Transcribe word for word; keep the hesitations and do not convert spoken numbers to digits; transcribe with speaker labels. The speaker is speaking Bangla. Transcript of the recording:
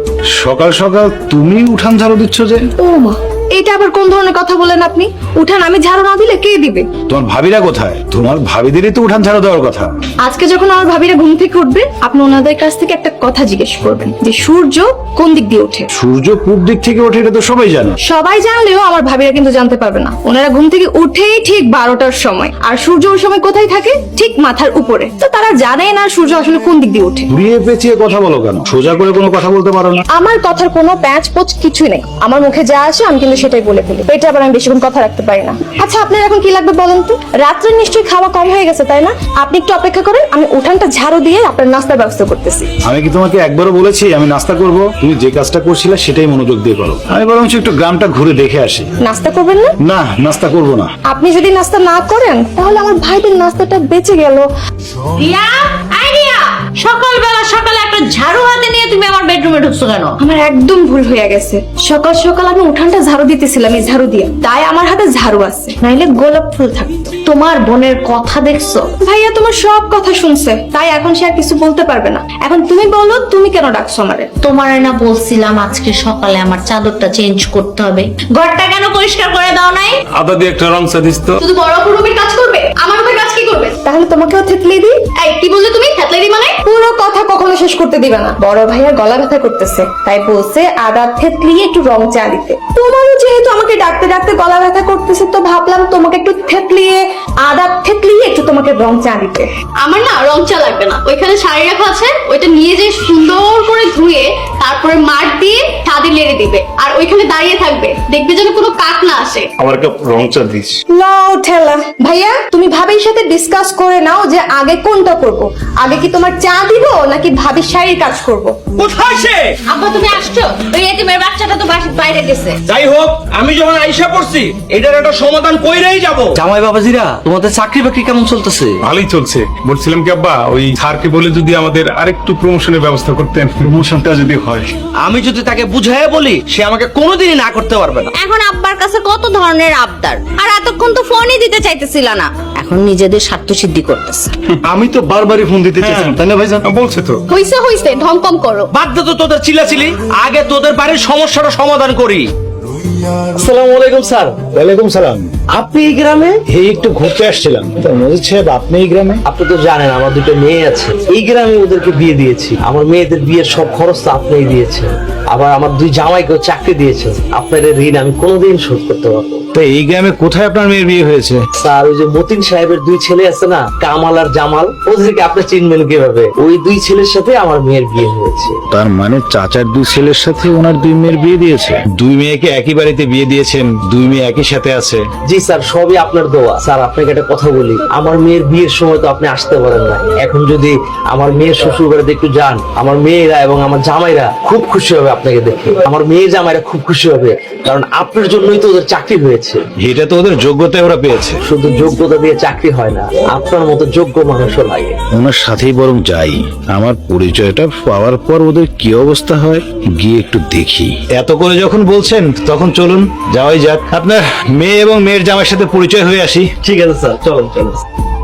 Speaker 1: সকাল সকাল তুমি উঠান ঝাড়ু দিচ্ছ যে?
Speaker 2: ও মা, এটা আবার কোন ধরনের কথা বলেন আপনি? উঠান আমি ঝাড়ু না দিলে কে দিবে?
Speaker 1: তোমার ভাবিরা কোথায়? তোমার ভাবিদেরই তো উঠান ঝাড়ু দেওয়ার কথা।
Speaker 2: আজকে যখন আমার ভাবিরা ঘুম থেকে উঠবে, আপনি ওনাদের কাছ থেকে একটা কথা জিজ্ঞেস করবেন যে সূর্য কোন দিক দিয়ে ওঠে।
Speaker 1: সূর্য পূব দিক থেকে ওঠে, এটা তো সবাই জানে।
Speaker 2: সবাই জানলেও আমার ভাবিরা কিন্তু জানতে পারবে না। ওনারা ঘুম থেকে উঠেই ঠিক বারোটার সময়, আর সূর্য ওই সময় কোথায় থাকে? ঠিক মাথার উপরে। তো তারা জানেই না সূর্য আসলে কোন দিক দিয়ে ওঠে।
Speaker 1: ঘুরিয়ে পেঁচিয়ে কথা বলো কেন? সোজা করে কোনো কথা বলতে পারো না?
Speaker 2: আমার কথার কোনো প্যাচ পোচ কিছুই নেই। আমার মুখে যা আসে আমি কিন্তু সেটাই বলে ফেলি। এটা আবার আমি বেশিক্ষণ কথা রাখতে পারি না। আচ্ছা, আপনার এখন কি লাগবে বলেন তো? রাত্রে নিশ্চয়ই খাওয়া কম হয়ে গেছে, তাই না? আপনি একটু অপেক্ষা করেন, আমি উঠানটা ঝাড়ু দিয়ে আপনার নাস্তার ব্যবস্থা করতেছি।
Speaker 1: আমি কি তোমাকে একবারও বলেছি আমি নাস্তা করব? তুমি যে কাজটা করছিলে সেটাই মনোযোগ দিয়ে করো। আমি বরং একটু গ্রামটা ঘুরে দেখে আসি।
Speaker 2: নাস্তা করবেন না?
Speaker 1: না, নাস্তা করব না।
Speaker 2: আপনি যদি নাস্তা না করেন তাহলে আমার ভাইদের নাস্তাটা বেঁচে গেল।
Speaker 3: রিয়া, আই রিয়া, সকালবেলা সকালে একটা ঝাড়ু হাতে নিয়ে তুমি আমার বেডরুমে ঢুকছো কেন?
Speaker 2: আমার একদম ভুল হয়ে গেছে। সকাল সকাল আমি উঠানটা ঝাড়ু দিতেছিলাম এই ঝাড়ু দিয়ে, তাই আমার হাতে ঝাড়ু আছে, নাইলে গোলাপ ফুল থাকতো।
Speaker 3: তোমার বোনের কথা দেখছো?
Speaker 2: ভাইয়া তোমার সব কথা শুনছে, তাই এখন সে আর কিছু বলতে পারবে না। এখন তুমি বলো, তুমি কেন ডাকছো আমারে?
Speaker 3: তোমার না বলছিলাম আজকে সকালে আমার চাদরটা চেঞ্জ করতে হবে, ঘরটা কেন পরিষ্কার করে দাও নাই?
Speaker 4: আদা দিয়ে একটা রং চা দিস তো।
Speaker 2: শুধু বড় রুমের কাজ করবে, আমার রুমের কাজ কি করবে? তাহলে তোমাকেও থেতলে দিই। এই কি বললে তুমি? থেতলে দিই মানে? পুরো কথা কখনো শেষ করতে দিবে না। বড় ভাইয়া গলা ব্যথা করতেছে, তাই বলছে আদা থেতলিয়ে একটু রং চা দিতে। তোমারও যেহেতু আমাকে ডাকতে ডাকতে গলা ব্যথা করতেছে, তো ভাবলাম তোমাকে একটু থেতলিয়ে আদা থেতলিয়ে একটু তোমাকে রং চা দিতে।
Speaker 5: আমার না রং চা লাগবে না, ওইখানে শাড়ি রাখা আছে, ওইটা নিয়ে যে সুন্দর করে ধুয়ে তারপরে মাঠ দিয়ে ছাদে লেড়ে দিবে, আর ওইখানে দাঁড়িয়ে থাকবে, দেখবে যেন কোনো কাক না আসে।
Speaker 4: আমার কাপ রং চা দিস।
Speaker 2: লাও ঠেলা। ভাইয়া তুমি ভাবির সাথে ডিসকাস করে নাও যে আগে কোনটা করব। আগে কি তোমার চা দিব নাকি ভাবির শাড়ির কাজ করব?
Speaker 6: কোথায় সে?
Speaker 3: আব্বা তুমি আসছো? ওই এতিমের বাচ্চাটা তো বাসার বাইরে গেছে।
Speaker 6: যাই হোক, আমি যখন আইসা পড়ছি এটার একটা সমাধান কইরেই যাব।
Speaker 7: জামাই বাবাজিরা, তোমাদের চাকরি বাকরি কেমন চলতেছে?
Speaker 4: ভালোই চলছে। বলছিলাম কি আব্বা, ওই স্যারকে বলে যদি আমাদের আরেকটু প্রমোশনের ব্যবস্থা করতেন। প্রমোশনটা যদি হয়।
Speaker 7: আমি যদি তাকে বুঝাই বলি, সে আমাকে কোনোদিনই না করতে পারবে না।
Speaker 3: এখন আব্বার কাছে কত ধরনের আবদার, আর এতক্ষণ তো ফোনই দিতে চাইতেছিল না। এখন নিজেদের স্বার্থ সিদ্ধি করতেছে।
Speaker 1: আমি তো বারবারই ফোন দিতে চাইছিলাম, তাই না ভাইজান?
Speaker 4: বলছে তো।
Speaker 5: হইছে হইছে, ঢং কম করো।
Speaker 7: বাদ দে তো তোদের চিল্লাচিলি, আগে তোদের বাড়ির সমস্যাটা সমাধান করি। আসসালামু আলাইকুম স্যার।
Speaker 1: ওয়ালাইকুম সালাম।
Speaker 7: আপনি এই গ্রামে?
Speaker 1: এই একটু ঘুরতে আসছিলাম। তো মজিদ সাহেব, আপনি এই গ্রামে?
Speaker 7: আপনি তো জানেন আমার দুটো মেয়ে আছে, এই গ্রামে ওদেরকে বিয়ে দিয়েছি। আমার মেয়েদের বিয়ের সব খরচ তো আপনিই দিয়েছেন, আবার আমার দুই জামাইকেও চাকরি দিয়েছেন। আপনার এই ঋণ আমি কোনোদিন শোধ করতে পারবো না।
Speaker 1: তো এই গ্রামে কোথায় আপনার মেয়ের বিয়ে হয়েছে?
Speaker 7: স্যার, ওই যে মতিন সাহেবের দুই ছেলে আছে না, কামাল আর জামাল, ওদেরকে আপনি চিনবেন কিভাবে? ওই দুই ছেলের সাথে আমার মেয়ের বিয়ে হয়েছে।
Speaker 1: তার মানে চাচার দুই ছেলের সাথে ওনার দুই মেয়ের বিয়ে দিয়েছে? দুই মেয়েকে একই বাড়িতে বিয়ে দিয়েছেন, দুই মেয়ে একই সাথে আছে?
Speaker 7: জি স্যার, সবই আপনার দোয়া। স্যার আপনাকে একটা কথা বলি, আমার মেয়ের বিয়ের সময় তো আপনি আসতে পারেন না। এখন যদি আমার মেয়ের শ্বশুর বাড়িতে একটু যান, আমার মেয়েরা এবং আমার জামাইরা খুব খুশি হবে আপনাকে দেখে। আমার মেয়ের জামাইরা খুব খুশি হবে, কারণ আপনার জন্যই তো ওদের চাকরি হয়েছে।
Speaker 1: এটা তো ওদের যোগ্যতায় ওরা পেয়েছে।
Speaker 7: শুধু যোগ্যতা দিয়ে চাকরি হয় না, আপনার মতো যোগ্য মানুষও লাগে।
Speaker 1: ওনার সাথেই বরং যাই, আমার পরিচয়টা পাওয়ার পর ওদের কি অবস্থা হয় গিয়ে একটু দেখি। এত করে যখন বলছেন তখন চলুন যাওয়াই যাক। আপনার মেয়ে এবং মেয়ের জামাইয়ের সাথে পরিচয় হয়ে আসি।
Speaker 7: ঠিক আছে স্যার, চলুন চলুন।